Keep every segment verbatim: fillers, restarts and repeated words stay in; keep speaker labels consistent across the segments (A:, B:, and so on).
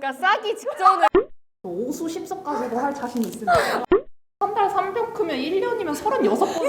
A: 그러니까 싸기 직전에
B: 오수 십석까지도 할 자신 있습니다. 한 달 삼 병크면 일 년이면 서른여섯 번.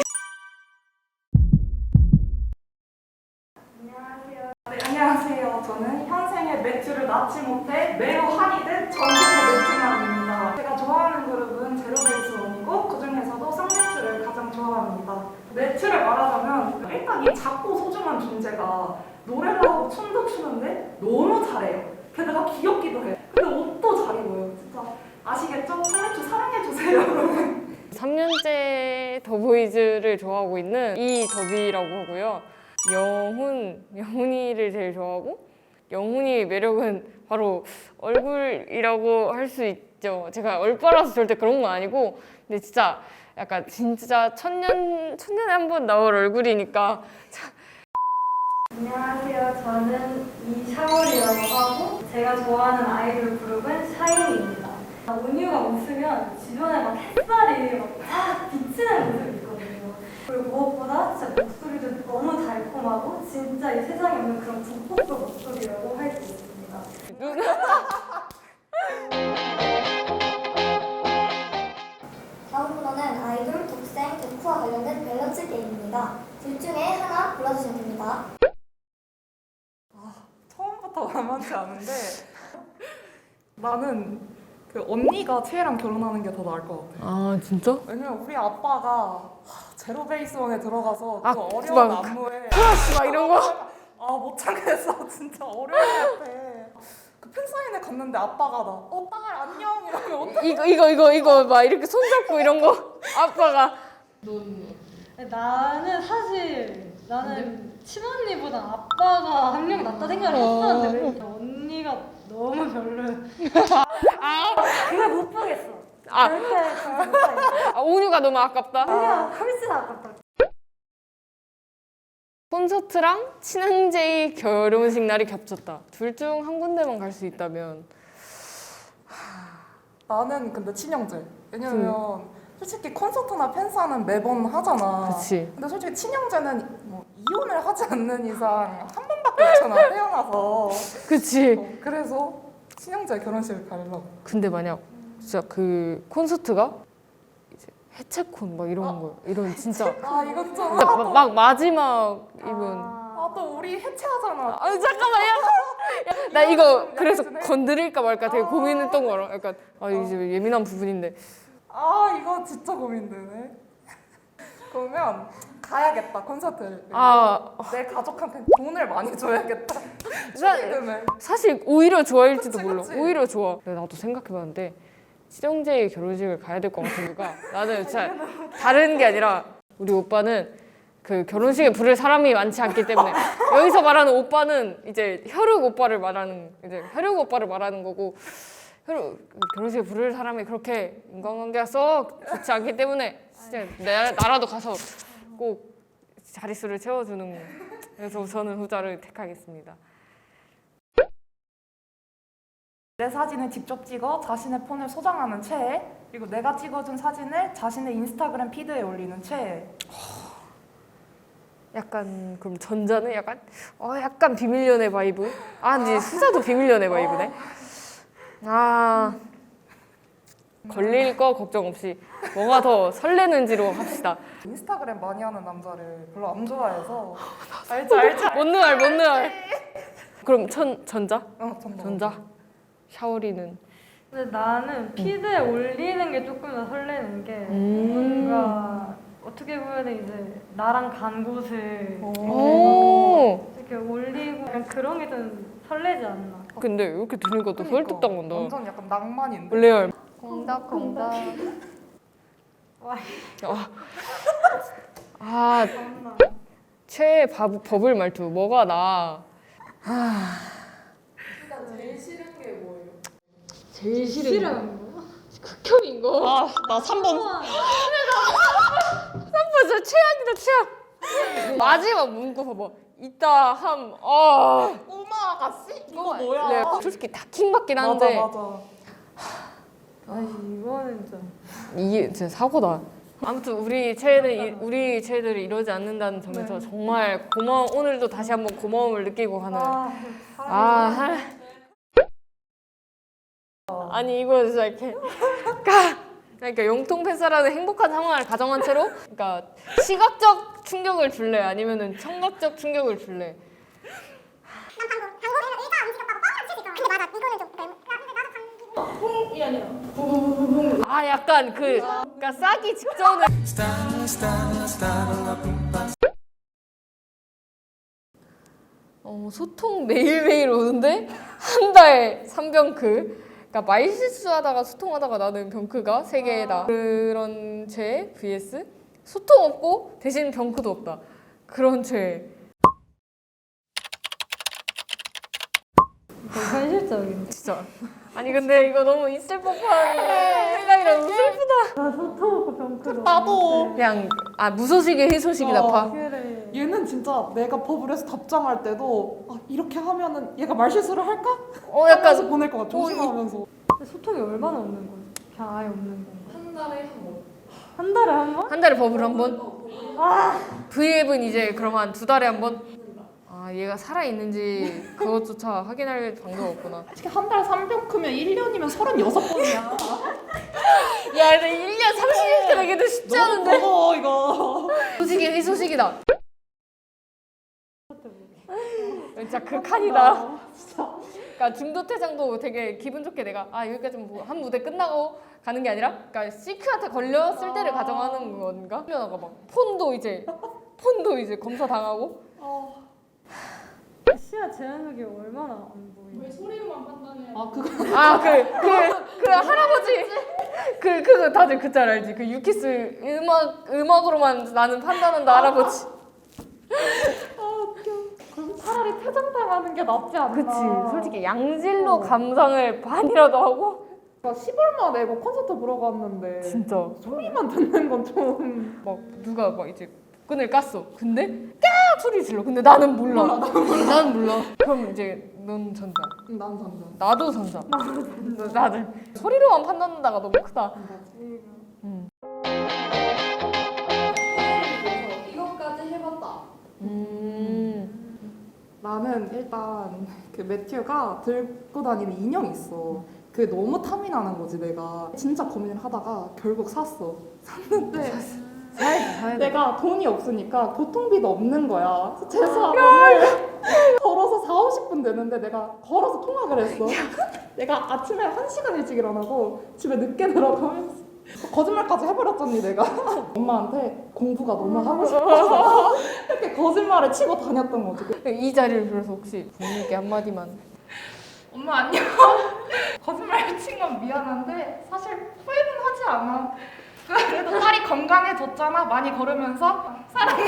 C: 안녕하세요. 네, 안녕하세요. 저는 현생에 맥주를 낳지 못해 매우 한이 된 정신의 맥주남입니다. 제가 좋아하는 그룹은 제로베이스원이고 그중에서도 쌍맥주를 가장 좋아합니다. 맥주를 말하자면 일단 이 작고 소중한 존재가 노래를 하고 춤도 추는데 너무 잘해요. 게다가 귀엽기도 해요. 근데 옷도 잘 입어요. 진짜 아시겠죠? 쌍맥주 사랑해주세요, 여러분.
A: 삼 년째 더보이즈를 좋아하고 있는 이더비라고 하고요. 영훈, 영훈이를 제일 좋아하고 영훈이의 매력은 바로 얼굴이라고 할 수 있죠. 제가 얼빠라서 절대 그런 건 아니고 근데 진짜 약간 진짜 천년, 천년에 한 번 나올 얼굴이니까
D: 안녕하세요. 저는 이샤월이라고 하고 제가 좋아하는 아이돌 그룹은 샤이니입니다. 온유가 웃으면 주변에 막 햇살이 막다 비치는 모습이 있거든요. 그리고 무엇보다 진짜 목소리도 너무 달콤하고 진짜 이 세상에 없는 그런 북극도 목소리라고 할 수 있습니다.
E: 다음 코너는 아이돌, 독생, 덕후와 관련된 밸런스 게임입니다. 둘 중에 하나 골라주시면 됩니다.
C: 처음부터 만만치 않은데 나는 그 언니가 채혜랑 결혼하는 게 더 나을 것 같아.
A: 아 진짜?
C: 왜냐면 우리 아빠가 제로베이스원에 들어가서 그
A: 아,
C: 어려운
A: 막
C: 안무에
A: 플러스 막 이런 거?
C: 아 못 참겠어. 진짜 어려울 것 같아. 그 팬사인회 갔는데 아빠가 나 어 딸 안녕 이러면 어떡해.
A: 이거 이거 이거 이거 막 이렇게 손잡고 이런 거 아빠가
D: 나는 사실 나는 친언니보다 아빠가 한 명 낫다 생각을 했었는데 언니가 너무 별로야.
E: 그걸 못 보겠어.
A: 아,
E: 절대 절대 못하겠어.
A: 아 온유가 너무 아깝다.
E: 그냥 훨씬 아깝다.
A: 콘서트랑 친형제의 결혼식 날이 겹쳤다. 둘 중 한 군데만 갈 수 있다면
C: 나는 근데 친형제. 왜냐면 솔직히 콘서트나 팬사는 매번 하잖아.
A: 그치.
C: 근데 솔직히 친형제는 뭐 이혼을 하지 않는 이상 한 번밖에 없잖아. 태어나서.
A: 그치.
C: 어, 그래서 친형제 결혼식을 가려고.
A: 근데 만약 진짜 그 콘서트가 이제 해체콘 막 이런 거 이런 진짜
C: 아 이건 좀.
A: 막, 막, 막 마지막 이분
C: 아, 또 우리 해체하잖아.
A: 아 잠깐만 야, 야, 나 이거 그래서 건드릴까 말까 되게 고민했던 거라 약간 아 이제 예민한 부분인데
C: 아 이거 진짜 고민되네. 그러면 가야겠다 콘서트를.
A: 아
C: 내 가족한테 돈을 많이 줘야겠다.
A: 사,
C: 축의금을.
A: 사실 오히려 좋아할지도
C: 그치,
A: 몰라
C: 그치.
A: 오히려 좋아 근데 나도 생각해봤는데 친형제의 결혼식을 가야 될 것 같은 이유가 나는 진짜 다른 게 아니라 우리 오빠는 그 결혼식에 부를 사람이 많지 않기 때문에 여기서 말하는 오빠는 이제 혈육 오빠를 말하는 이제 혈육 오빠를 말하는 거고 혈육 결혼식에 부를 사람이 그렇게 인간관계가 썩 좋지 않기 때문에 진짜 내 나라도 가서 꼭 자릿수를 채워주는 거. 그래서 저는 후자를 택하겠습니다.
C: 내 사진을 직접 찍어 자신의 폰을 소장하는 최애. 그리고 내가 찍어준 사진을 자신의 인스타그램 피드에 올리는 최애.
A: 약간 그럼 전자는 약간 어 약간 비밀 연애 바이브. 아 근데 후자도 비밀 연애 바이브네. 아 걸릴 거 걱정 없이 뭐가 더 설레는지로 합시다.
C: 인스타그램 많이 하는 남자를 별로 안 좋아해서. 알지 알지.
A: 못 느알 못 느알. 그럼 천 전자?
C: 어, 전자.
A: 전자. 샤오리는
D: 근데 나는 피드에 올리는 게 조금 더 설레는 게
A: 음.
D: 뭔가 어떻게 보면 이제 나랑 간 곳을
A: 오.
D: 이렇게 올리고 약간 그런 게 좀 설레지 않나.
A: 근데 이렇게 들으니까 또
C: 그러니까.
A: 설득당한다.
C: 완전 약간 낭만인데.
A: 레알.
E: 공덕공덕.
A: 아, 아 최애 밥, 버블 말투 뭐가 나? 제일 싫은 거? 극혐인 거?
B: 아, 나 삼 번.
A: 저 최악이다 최악. 마지막 문구 봐봐. 이따 함. 아.
C: 꼬마 아가씨? 이거 뭐야?
A: 네, 솔직히 다 킹받긴 한데
C: 맞아 맞아.
D: 아니 이거는 좀
A: 이게 진짜 사고다. 아무튼 우리 최애는 우리 최애들이 이러지 않는다는 점에서 정말 고마워. 오늘도 다시 한번 고마움을 느끼고 가는.
D: 아,
A: 아, 할- 아니 이거 진짜 이렇게 그러니까, 그러니까 영통 팬싸라는 행복한 상황을 가정한 채로 그러니까 시각적 충격을 줄래 아니면은 청각적 충격을 줄래.
B: 이 아니라.
A: 아 약간 그 그러니까 싸기 직전에 어, 소통 매일매일 오는데 한 달 삼 병크. 그러니까 말 실수하다가 소통하다가 나는 병크가 세 개다. 그런 죄 vs 소통 없고 대신 병크도 없다. 그런 죄.
D: 현실적인.
A: 진짜. 아니 근데 이거 너무 있을 법한 생각이라 너무 슬프다.
D: 나 소통 없고 병크도.
B: 나도.
A: 그냥 아 무소식이 희소식이다
B: 어.
A: 파.
D: 그래.
B: 얘는 진짜 내가 법을 해서 답장할 때도 아, 이렇게 하면은 얘가 말실수를 할까?
A: 어
B: 하면서
A: 약간
B: 보낼 것 같아. 조심하면서.
D: 근데 소통이 얼마나 없는 거야? 그냥 아예 없는 건가?
B: 한 달에 한 번.
D: 한 달에 한 번?
A: 한 달에 버블 한 번. V앱은 이제 그러면 두 달에 한 번. 아 얘가 살아 있는지 그것조차 확인할 방법 없구나.
B: 솔직히 한 달 삼 병크면 일 년이면 서른여섯 번이야.
A: 야 근데 일 년 삼십 일 되기도 쉽지 않은데.
B: 너무 이거.
A: 소식이 희소식이다. 진짜 극한이다. 그러니까 중도퇴장도 되게 기분 좋게 내가 아 여기까지 한 무대 끝나고 가는 게 아니라 그러니까 시크한테 걸렸을 때를 가정하는 건가? 훈련하가 막 폰도 이제 폰도 이제 검사 당하고.
D: 시야 제한력이 얼마나 안 보이냐?
B: 아 그거.
A: 아 그 그 그 할아버지 그 그거 다들 그 짤 알지? 그 유키스 음악 음악으로만 나는 판단한다 할아버지.
B: 그럼 차라리 퇴장당하는 게 낫지 않나.
A: 그치. 솔직히 양질로 감상을 반이라도 하고.
B: 나 십얼마 내고 콘서트 보러 갔는데
A: 진짜.
B: 소리만 듣는 건 좀.
A: 막 누가 막 이제 끈을 깠어. 근데 까 소리 질러. 근데 나는 몰라. 나는 몰라. 그럼 이제 넌 전자.
B: 난 잔다.
A: 나도 전자. 나도. 소리로만 판단한다가 너무 크다. 음.
C: 이것까지 해봤다.
A: 음.
B: 나는 일단 그 매튜가 들고 다니는 인형이 있어. 그게 너무 탐이 나는 거지 내가. 진짜 고민을 하다가 결국 샀어. 샀는데
A: 사야지 사야 돼.
B: 내가 돈이 없으니까 교통비도 없는 거야. 그래서 재수학원을 걸어서 사오십 분 되는데 내가 걸어서 통학을 했어. 내가 아침에 한 시간 일찍 일어나고 집에 늦게 들어가면서 거짓말까지 해버렸잖니 내가. 엄마한테 공부가 너무 하고 싶어서 이렇게 거짓말을 치고 다녔던 거지.
A: 이 자리를 빌어서 혹시 부모님께 한마디만.
C: 엄마 안녕. 거짓말 친 건 미안한데 사실 후회는 하지 않아. 그래도 딸이 건강해졌잖아. 많이 걸으면서 사랑해.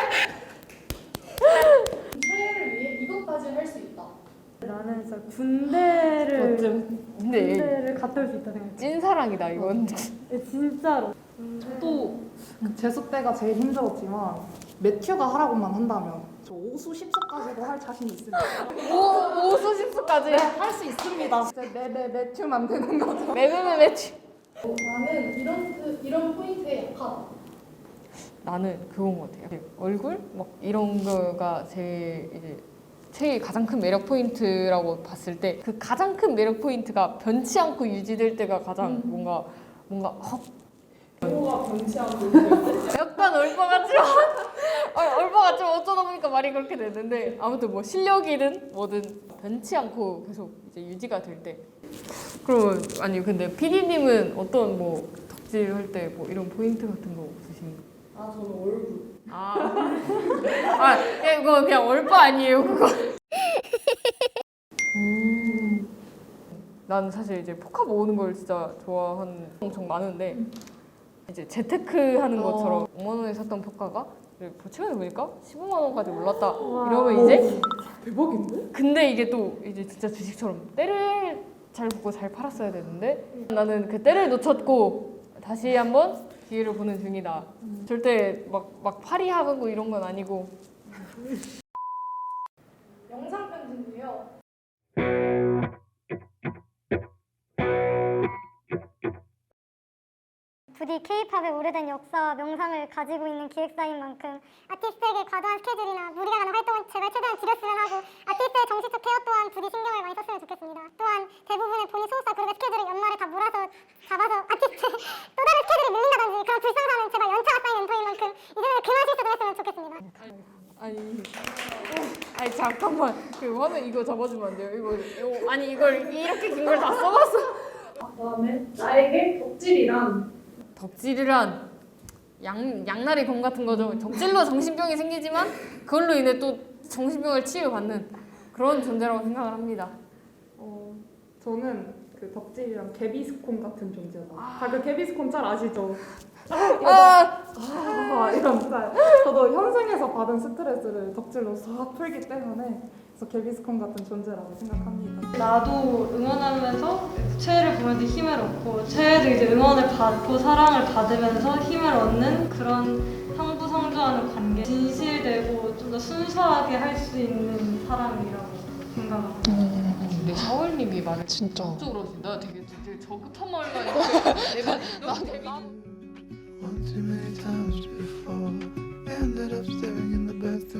F: 사회를 위해 이것까지 할 수 있다.
D: 나는 진짜 군대를
B: 어쩜.
A: 근데
D: 군대를 갔다 올 수 있다 생각해.
A: 찐사랑이다 이건.
D: 진짜로.
B: 또 재수 때가 제일 힘들었지만 매튜가 하라고만 한다면 저 오수 십수까지도 할 자신 있습니다.
A: 오 오수십수까지.
B: 할 수 있습니다. 이제 매매 매튜만 되는 거죠.
A: 매매매 매치.
F: 나는 이런 그, 이런 포인트에 약하다.
A: 나는 그건 것 같아요. 얼굴 막 이런 거가 제일 이제 제일 가장 큰 매력 포인트라고 봤을 때 그 가장 큰 매력 포인트가 변치 않고 유지될 때가 가장 뭔가 뭔가 헉.
C: 뭐가 변치 않고
A: 약간 얼빠 같지만 아, 얼빠 같지만 어쩌다 보니까 말이 그렇게 됐는데 아무튼 뭐 실력이든 뭐든 변치 않고 계속 이제 유지가 될 때. 그럼 아니 근데 피디님은 어떤 뭐 덕질 할 때 뭐 이런 포인트 같은 거 없으신가요?
C: 아 저는 얼굴.
A: 아, 아 예, 그거 그냥 얼빠 아니에요 그거. 음, 나는 사실 이제 포카 모으는 걸 진짜 좋아하는 엄청 많은데 이제 재테크 하는 것처럼 오만 원에 샀던 포카가 최근에 보니까 십오만 원까지 올랐다. 이러면 이제
B: 대박인데?
A: 근데 이게 또 이제 진짜 주식처럼 때를 잘 보고 잘 팔았어야 되는데 나는 그 때를 놓쳤고 다시 한번 기회를 보는 중이다. 절대 막, 막 팔이 하고 이런 건 아니고.
F: 영상 편집이요.
G: 부디 K-팝의 오래된 역사와 명상을 가지고 있는 기획사인 만큼 아티스트에게 과도한 스케줄이나 무리가 가는 활동은 제발 최대한 줄였으면 하고 아티스트의 정신적 케어 또한 부디 신경을 많이 썼으면 좋겠습니다. 또한 대부분의 본인 소속사 그룹의 스케줄
A: 잠깐만 그 화면 이거 잡아주면 안 돼요? 이거, 이거 아니 이걸 이렇게 긴 걸 다 써봤어.
F: 그다음에 나에게 덕질이란
A: 덕질이란 양, 양날의 검 같은 거죠. 덕질로 정신병이 생기지만 그걸로 인해 또 정신병을 치유받는 그런 존재라고 생각을 합니다.
B: 어, 저는 그 덕질이랑 개비스콘 같은 존재다. 다 그 개비스콘 짤 아시죠?
A: 아,
B: 아, 이런 짤. 저도 현생에서 받은 스트레스를 덕질로 싹 풀기 때문에 그래서 개비스콘 같은 존재라고 생각합니다.
D: 나도 응원하면서 최애를 보면서 힘을 얻고 최애도 이제 응원을 받고 사랑을 받으면서 힘을 얻는 그런 상부상조하는 관계. 진실되고 좀 더 순수하게 할 수 있는 사람이라고 생각합니다.
A: 근데 샤월님이 말을
H: 진짜.
A: 쪽으로 하시. 나 되게 되게 저급한 말만 이렇게 내가 너무 재밌.
I: One too many times before, ended up staring in the bathroom.